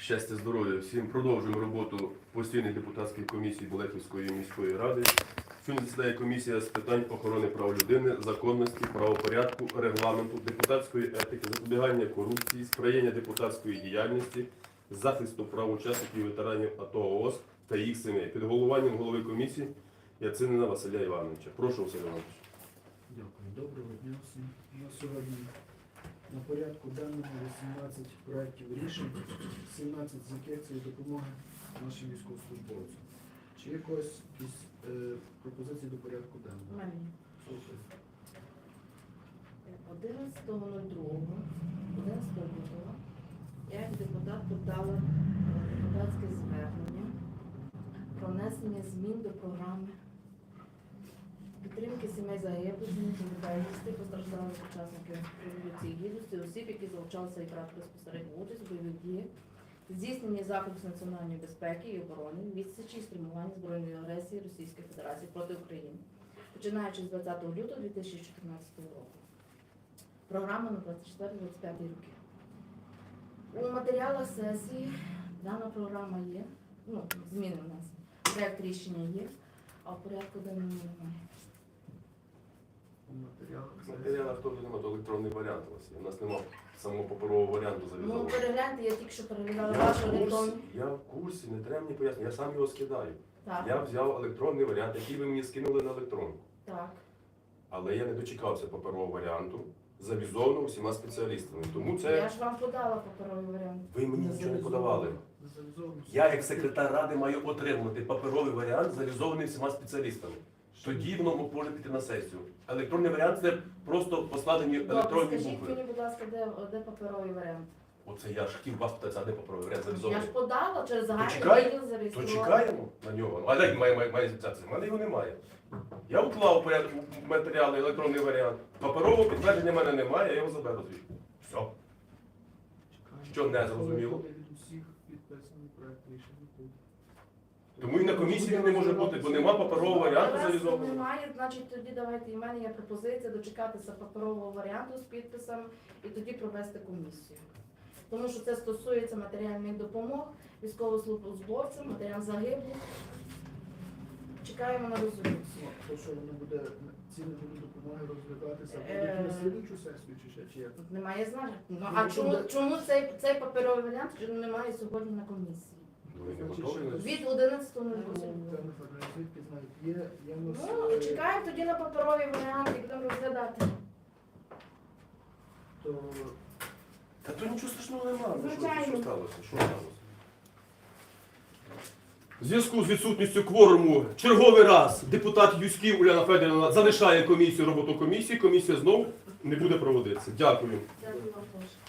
Щастя, здоров'я всім. Продовжуємо роботу постійної депутатської комісії Болехівської міської ради. Сьогодні засідає комісія з питань охорони прав людини, законності, правопорядку, регламенту, депутатської етики, запобігання корупції, сприяння депутатської діяльності, захисту прав учасників і ветеранів АТО ООС та їх сімей. Під головуванням голови комісії Яцинина Василя Івановича. Прошу, Василь Іванович. Дякую. Доброго дня всім. У нас сьогодні на порядку денному 18 проєктів рішень, 17 з яких це допомоги нашим військовослужбовцям. Чи є якісь пропозиції до порядку денного? У мене. Слухаю. 11 лютого я як депутат подала депутатське звернення про внесення змін до програми підтримки сімей загиблих, безвісти, постраждалих учасників Революції Гідності, осіб, які залучалися і брали безпосередню участь у бойових діях, здійснення заходів з національної безпеки і оборони, відсічі і стримування збройної агресії Російської Федерації проти України, починаючи з 20 лютого 2014 року. Програма на 24-25 роки. У матеріалах сесії дана програма є, зміни у нас, проєкт рішення є, а в порядку денному немає. У матеріалах В матеріалах теж немає, то електронний варіант у вас є. У нас немає самого паперового варіанту завізованого. Перегляньте, я тільки що переглядала ваш електронний. Я в курсі, не треба мені пояснити, я сам його скидаю. Так, Я взяв електронний варіант, який ви мені скинули на електронку. так. Але я не дочекався паперового варіанту, завізованого всіма спеціалістами. Тому Я це ж вам подала паперовий варіант. ви мені нічого не подавали. Завізовано. Я, як секретар ради, маю отримати паперовий варіант, завізований всіма спеціалістами. Тоді воно може піти на сесію. Електронний варіант це просто поскладені Добре, електронні скажіть букви. мені, будь ласка, де паперовий варіант? Оце я ж хотів вас питати, а де паперовий варіант Я завізований? ж подала через загальний Почекай, відділ То зареєструвала. чекаємо на нього. А де має зіцятися? У мене його немає. Я уклав порядку матеріали, електронний варіант. Паперового підтвердження в мене немає, я його заберу звідти. Все. Що не зрозуміло? Від усіх підписаний проєкт рішення тут. Тому і на комісії не може бути, бо нема паперового варіанту Раз завізованого. немає, значить тоді давайте, і в мене є пропозиція дочекатися паперового варіанту з підписом і тоді провести комісію. Тому що це стосується матеріальних допомог, військовослужбовцям, матеріалам загиблих. Чекаємо на резолюцію. То що воно буде, ці не будуть допомоги розглядатися, будуть на слідчу сесію чи ще, чи як? Тут немає значення. А чому цей паперовий варіант немає сьогодні на комісії? Ви не готові? Від 11.00. Звідки знають, є в нас, Чекаємо тоді на паперовий варіант і будемо розглядати. то Та то нічого страшного немає. Звичайно. Що сталося? Що сталося? В зв'язку з відсутністю кворуму черговий раз депутат Юськів Уляна Федорівна залишає роботу комісії. Комісія знову не буде проводитися. Дякую. Дякую вам теж.